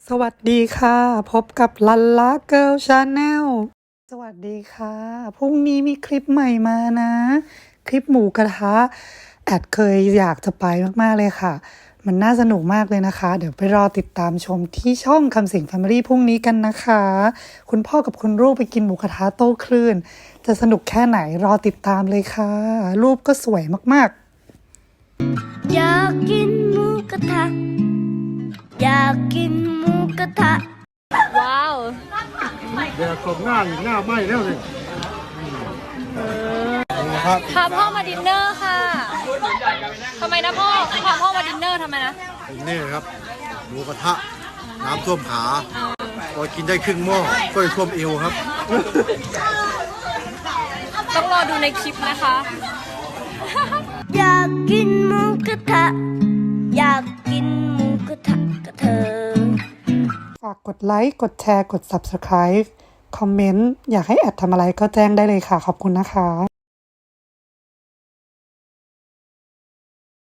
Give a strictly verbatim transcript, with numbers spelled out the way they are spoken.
สวัสดีค่ะพบกับลันล่าเกิร์ลชาแนลสวัสดีค่ะพรุ่งนี้มีคลิปใหม่มานะ คลิปหมูกระทะแอดเคยอยากจะไปมากๆเลยค่ะ มันน่าสนุกมากเลยนะคะ เดี๋ยวไปรอติดตามชมที่ช่องคำสิงแฟมิลี่พรุ่งนี้กันนะคะ คุณพ่อกับคุณลูกไปกินหมูกระทะโต้คลื่น จะสนุกแค่ไหนรอติดตามเลยค่ะ รูปก็สวยมากๆอยากกินหมูกระทะอยากกินหมูกระทะว้าวเดี๋ยวกลมหน้าอีกหน้าไหม้แล้วเลยพาพ่อมาดินเนอร์ค่ะทำไมนะพ่อพาพ่อมาดินเนอร์ทำไมนะนี่ครับหมูกระทะน้ำท่วมขาพอกินได้ครึ่งหม้อก็ท่วมเอวครับต้องรอดูในคลิปนะคะอยากกินหมูกระทะอยากกินหมูกระทะกับเธอฝากกดไลค์ กดแชร์ กด ซับสไครบ์ คอมเมนต์ อยากให้แอดทำอะไรก็แจ้งได้เลยค่ะ ขอบคุณนะคะ